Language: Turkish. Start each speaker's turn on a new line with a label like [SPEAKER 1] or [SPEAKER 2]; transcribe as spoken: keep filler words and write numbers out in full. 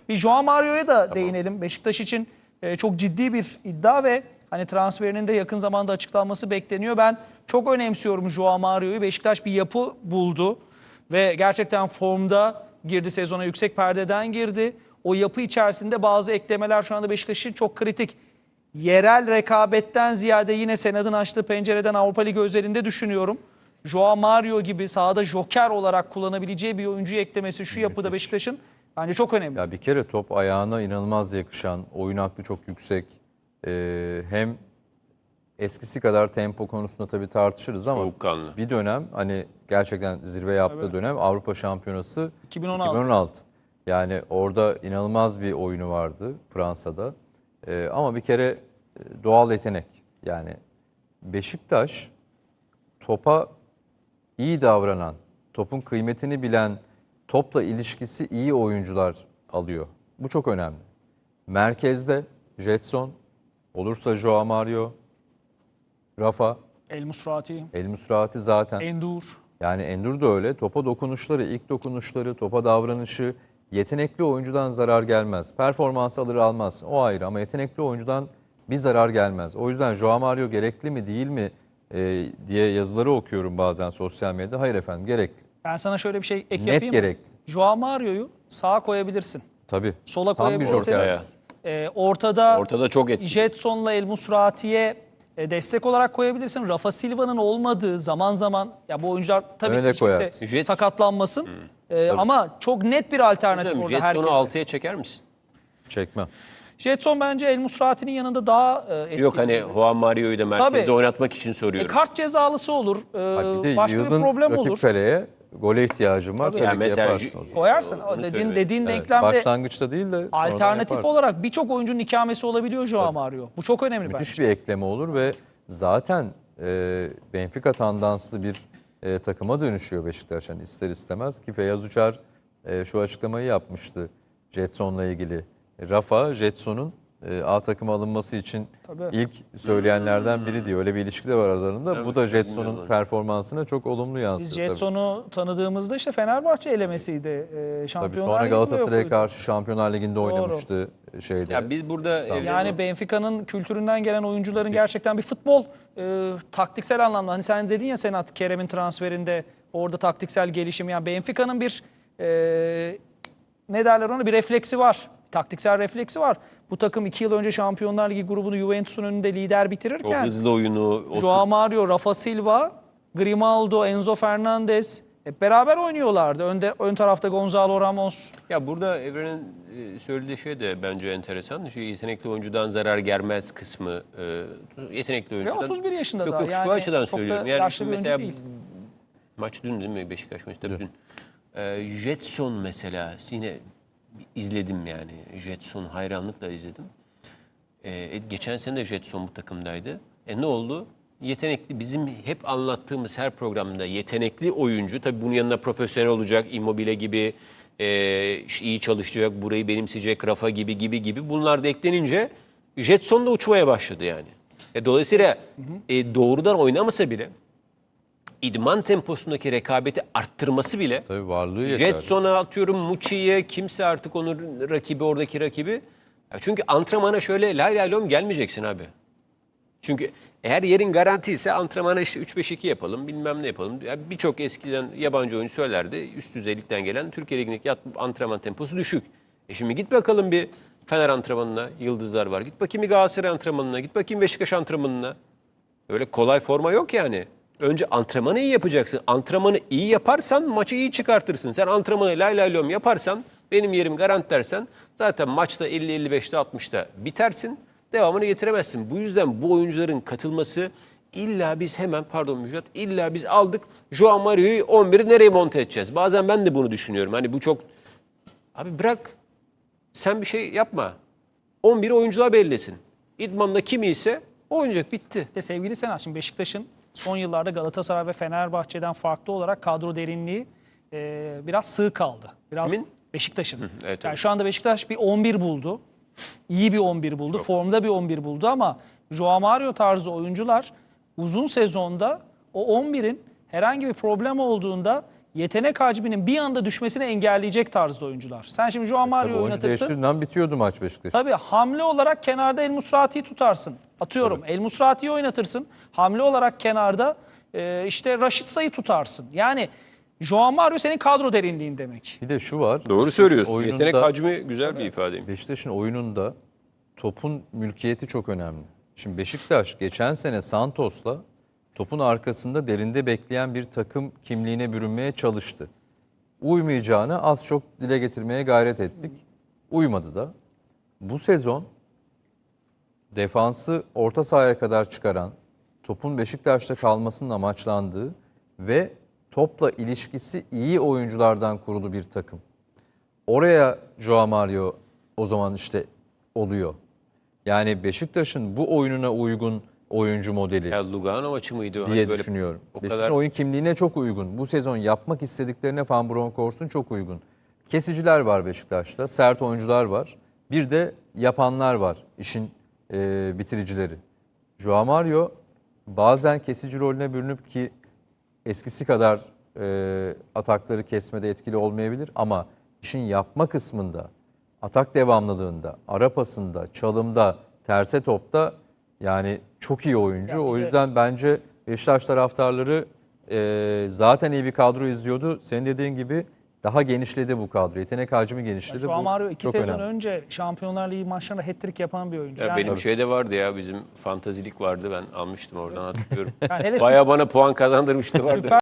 [SPEAKER 1] Bir Joao Mario'ya da tamam. değinelim. Beşiktaş için e, çok ciddi bir iddia ve hani transferinin de yakın zamanda açıklanması bekleniyor. Ben çok önemsiyorum Joao Mario'yu. Beşiktaş bir yapı buldu ve gerçekten formda girdi sezona, yüksek perdeden girdi. O yapı içerisinde bazı eklemeler şu anda Beşiktaş için çok kritik. Yerel rekabetten ziyade yine Senad'ın açtığı pencereden Avrupa Ligi özelinde düşünüyorum. Joao Mario gibi sahada joker olarak kullanabileceği bir oyuncuyu eklemesi şu yapıda Beşiktaş'ın bence çok önemli.
[SPEAKER 2] Ya bir kere top ayağına inanılmaz yakışan, oyun aklı çok yüksek. Ee, hem eskisi kadar tempo konusunda tabii tartışırız ama
[SPEAKER 3] soğukkanlı.
[SPEAKER 2] Bir dönem hani gerçekten zirve yaptığı
[SPEAKER 1] Tabii.
[SPEAKER 2] dönem Avrupa Şampiyonası
[SPEAKER 1] iki bin on altı.
[SPEAKER 2] iki bin on altı. Yani orada inanılmaz bir oyunu vardı Fransa'da. Ee, ama bir kere doğal yetenek. Yani Beşiktaş topa iyi davranan, topun kıymetini bilen, topla ilişkisi iyi oyuncular alıyor. Bu çok önemli. Merkezde Jetson, olursa Joao Mario, Rafa,
[SPEAKER 1] El Musrati,
[SPEAKER 2] El Musrati zaten.
[SPEAKER 1] Endur.
[SPEAKER 2] Yani Endur da öyle. Topa dokunuşları, ilk dokunuşları, topa davranışı, yetenekli oyuncudan zarar gelmez. Performans alır almaz, o ayrı ama yetenekli oyuncudan bir zarar gelmez. O yüzden Joao Mario gerekli mi değil mi e, diye yazıları okuyorum bazen sosyal medyada. Hayır efendim, gerekli.
[SPEAKER 1] Ben sana şöyle bir şey ek
[SPEAKER 2] Net
[SPEAKER 1] yapayım.
[SPEAKER 2] gerekli.
[SPEAKER 1] Joao Mario'yu sağa koyabilirsin.
[SPEAKER 2] Tabii.
[SPEAKER 1] Sola
[SPEAKER 2] Tam bir
[SPEAKER 1] koyabilirsin.
[SPEAKER 2] joker.
[SPEAKER 1] Ee, ortada,
[SPEAKER 3] Ortada çok etkili.
[SPEAKER 1] Jetson'la El Musrati'ye e, destek olarak koyabilirsin. Rafa Silva'nın olmadığı zaman zaman ya bu oyuncular tabii
[SPEAKER 2] Öyle
[SPEAKER 1] ki kimse
[SPEAKER 2] koyarsın.
[SPEAKER 3] Jet-
[SPEAKER 1] sakatlanmasın. Ee, ama çok net bir alternatif orada
[SPEAKER 3] Jetson'u
[SPEAKER 1] herkese.
[SPEAKER 3] altıya çeker misin?
[SPEAKER 2] Çekmem.
[SPEAKER 1] Jetson bence El Musrati'nin yanında daha e, etkili.
[SPEAKER 3] Yok hani Juan Mario'yu da merkezde
[SPEAKER 1] Tabii.
[SPEAKER 3] oynatmak için
[SPEAKER 1] E,
[SPEAKER 3] soruyorum.
[SPEAKER 1] kart cezalısı olur. E,
[SPEAKER 2] Bir de
[SPEAKER 1] başka bir
[SPEAKER 2] yığdın
[SPEAKER 1] problem
[SPEAKER 2] rakip
[SPEAKER 1] olur.
[SPEAKER 2] kaleye gole ihtiyacım var.
[SPEAKER 1] Tabii.
[SPEAKER 2] Tabii,
[SPEAKER 3] Yani
[SPEAKER 2] ki
[SPEAKER 3] mesela
[SPEAKER 2] yaparsın o zaman.
[SPEAKER 1] Koyarsın.
[SPEAKER 3] Onu
[SPEAKER 1] dediğin
[SPEAKER 3] söyleyeyim.
[SPEAKER 1] dediğin
[SPEAKER 2] Evet,
[SPEAKER 1] denklemde
[SPEAKER 2] başlangıçta değil de sonradan
[SPEAKER 1] alternatif
[SPEAKER 2] yaparsın.
[SPEAKER 1] olarak birçok oyuncunun ikamesi olabiliyor Joao Mario. Bu çok önemli
[SPEAKER 2] Müthiş
[SPEAKER 1] bence.
[SPEAKER 2] bir ekleme olur ve zaten e, Benfica tandanslı bir e, takıma dönüşüyor Beşiktaş. Yani ister istemez ki Feyyaz Uçar e, şu açıklamayı yapmıştı Jetson'la ilgili. Rafa, Jetson'un e, A takıma alınması için
[SPEAKER 1] Tabii.
[SPEAKER 2] ilk söyleyenlerden biri diyor. Öyle bir ilişki de var aralarında.
[SPEAKER 3] Evet,
[SPEAKER 2] Bu da Jetson'un
[SPEAKER 3] bilmiyorum.
[SPEAKER 2] performansına çok olumlu yansıyor.
[SPEAKER 1] Biz
[SPEAKER 2] tabii.
[SPEAKER 1] Jetson'u tanıdığımızda işte Fenerbahçe elemesiydi. Ee,
[SPEAKER 2] Tabii
[SPEAKER 1] Şampiyonlar
[SPEAKER 2] sonra
[SPEAKER 1] Ligi
[SPEAKER 2] Galatasaray'a
[SPEAKER 1] playoff'uydu.
[SPEAKER 2] karşı Şampiyonlar Ligi'nde oynamıştı şeyde.
[SPEAKER 3] Ya biz burada
[SPEAKER 2] İstanbul'da.
[SPEAKER 1] Yani Benfica'nın kültüründen gelen oyuncuların gerçekten bir futbol e, taktiksel anlamda. Hani sen dedin ya Senat, Kerem'in transferinde orada taktiksel gelişim. Yani Benfica'nın bir e, ne derler ona bir refleksi var. Taktiksel refleksi var. Bu takım iki yıl önce Şampiyonlar Ligi grubunu Juventus'un önünde lider
[SPEAKER 3] o
[SPEAKER 1] bitirirken
[SPEAKER 3] hızlı oyunu, o
[SPEAKER 1] Joao Mario, Rafa Silva, Grimaldo, Enzo Fernandez hep beraber oynuyorlardı. Önde, ön tarafta Gonzalo Ramos.
[SPEAKER 3] Ya burada Evren'in e, söylediği şey de bence enteresan. Şu yetenekli oyuncudan zarar gelmez kısmı. E, yetenekli
[SPEAKER 1] Ve
[SPEAKER 3] oyuncudan.
[SPEAKER 1] otuz bir yaşında
[SPEAKER 3] Yok
[SPEAKER 1] daha.
[SPEAKER 3] yok
[SPEAKER 1] Yani
[SPEAKER 3] şu açıdan
[SPEAKER 1] çok da
[SPEAKER 3] söylüyorum. Yani
[SPEAKER 1] yaşlı
[SPEAKER 3] şimdi
[SPEAKER 1] bir oyuncu
[SPEAKER 3] mesela
[SPEAKER 1] değil.
[SPEAKER 3] maç dün değil mi Beşiktaş maçı tabii dün. E, Jetson mesela yine izledim yani. Jetson hayranlıkla izledim. E, geçen sene de Jetson bu takımdaydı. E ne oldu? Yetenekli, bizim hep anlattığımız her programda yetenekli oyuncu, tabii bunun yanına profesyonel olacak, Immobile gibi e, işte iyi çalışacak, burayı benimseyecek, Rafa gibi gibi gibi bunlar da eklenince Jetson da uçmaya başladı yani. E, dolayısıyla e, doğrudan oynamasa bile idman temposundaki rekabeti arttırması bile
[SPEAKER 2] Tabii varlığı yeterli.
[SPEAKER 3] Jetson'a atıyorum, Muçi'ye, kimse artık onun rakibi, oradaki rakibi. Ya çünkü antrenmana şöyle lay lay lom gelmeyeceksin abi. Çünkü eğer yerin garanti ise antrenmana işte üç beş iki yapalım, bilmem ne yapalım. Yani birçok eskiden yabancı oyuncu söylerdi. Üst düzeylikten gelen Türkiye Ligi'ndeki antrenman temposu düşük. E şimdi git bakalım bir Fener antrenmanına, yıldızlar var. Git bakayım bir Galatasaray antrenmanına, git bakayım Beşiktaş antrenmanına. Öyle kolay forma yok yani. Önce antrenmanı iyi yapacaksın. Antrenmanı iyi yaparsan maçı iyi çıkartırsın. Sen antrenmanı lay lay lom yaparsan, benim yerim garanti dersen zaten maçta elli elli beşte altmışta bitersin. Devamını getiremezsin. Bu yüzden bu oyuncuların katılması illa biz hemen pardon Müjdat illa biz aldık Joao Mario'yu on biri nereye monte edeceğiz? Bazen ben de bunu düşünüyorum. Hani bu çok abi bırak sen bir şey yapma. on biri oyuncular belirlesin. İdmanda kimi ise oynayacak bitti.
[SPEAKER 1] De sevgili Senat, şimdi Beşiktaş'ın son yıllarda Galatasaray ve Fenerbahçe'den farklı olarak kadro derinliği e, biraz sığ kaldı. Biraz
[SPEAKER 3] Kimin?
[SPEAKER 1] Beşiktaş'ın.
[SPEAKER 3] evet,
[SPEAKER 1] yani
[SPEAKER 3] evet.
[SPEAKER 1] şu anda Beşiktaş bir on bir buldu. İyi bir on bir buldu. Çok. Formda bir on bir buldu ama Joao Mario tarzı oyuncular uzun sezonda o on birin herhangi bir problem olduğunda yetenek hacminin bir anda düşmesini engelleyecek tarzda oyuncular. Sen şimdi Joao
[SPEAKER 2] Tabii
[SPEAKER 1] Mario'yu
[SPEAKER 2] oyuncu
[SPEAKER 1] oynatırsın.
[SPEAKER 2] değiştirdiğinden bitiyordu maç Beşiktaş.
[SPEAKER 1] Tabii hamle olarak kenarda El Musrati'yi tutarsın. Atıyorum El Musrati'yi oynatırsın. Hamle olarak kenarda e, işte Raşitsa'yı tutarsın. Yani Joao Mario senin kadro derinliğin demek.
[SPEAKER 2] Bir de şu var.
[SPEAKER 3] Doğru söylüyorsun.
[SPEAKER 2] Oyununda-
[SPEAKER 3] Yetenek hacmi güzel bir ifadeymiş.
[SPEAKER 2] Beşiktaş'ın oyununda topun mülkiyeti çok önemli. Şimdi Beşiktaş geçen sene Santos'la topun arkasında derinde bekleyen bir takım kimliğine bürünmeye çalıştı. Uymayacağını az çok dile getirmeye gayret ettik. Uymadı da. Bu sezon defansı orta sahaya kadar çıkaran, topun Beşiktaş'ta kalmasının amaçlandığı ve topla ilişkisi iyi oyunculardan kurulu bir takım. Oraya Joao Mario o zaman işte oluyor. Yani Beşiktaş'ın bu oyununa uygun oyuncu modeli
[SPEAKER 3] Ya Lugano maçı mıydı o?
[SPEAKER 2] diye
[SPEAKER 3] Hani böyle
[SPEAKER 2] düşünüyorum.
[SPEAKER 3] o
[SPEAKER 2] Beşiktaş'ın
[SPEAKER 3] kadar
[SPEAKER 2] oyun kimliğine çok uygun. Bu sezon yapmak istediklerine Van Bronckhorst'un çok uygun. Kesiciler var Beşiktaş'ta, sert oyuncular var. Bir de yapanlar var, işin e, bitiricileri. Joao Mario bazen kesici rolüne bürünüp ki eskisi kadar e, atakları kesmede etkili olmayabilir ama işin yapma kısmında, atak devamlılığında, ara pasında, çalımda, terse topta yani çok iyi oyuncu.
[SPEAKER 1] Ya bir
[SPEAKER 2] O
[SPEAKER 1] de-
[SPEAKER 2] yüzden bence Beşiktaş taraftarları e, zaten iyi bir kadro izliyordu. Senin dediğin gibi daha genişledi bu kadro. Yetenek hacmi genişledi.
[SPEAKER 1] Joao
[SPEAKER 2] Bu
[SPEAKER 1] Mario iki
[SPEAKER 2] çok
[SPEAKER 1] sezon
[SPEAKER 2] önemli.
[SPEAKER 1] önce Şampiyonlar Ligi maçlarında hat-trick yapan bir oyuncu.
[SPEAKER 3] Ya
[SPEAKER 1] yani,
[SPEAKER 3] benim şeyde vardı ya, bizim fantazilik vardı, ben almıştım oradan hatırlıyorum.
[SPEAKER 1] yani hele
[SPEAKER 3] Bayağı bana puan kazandırmıştı vardı.
[SPEAKER 1] Süper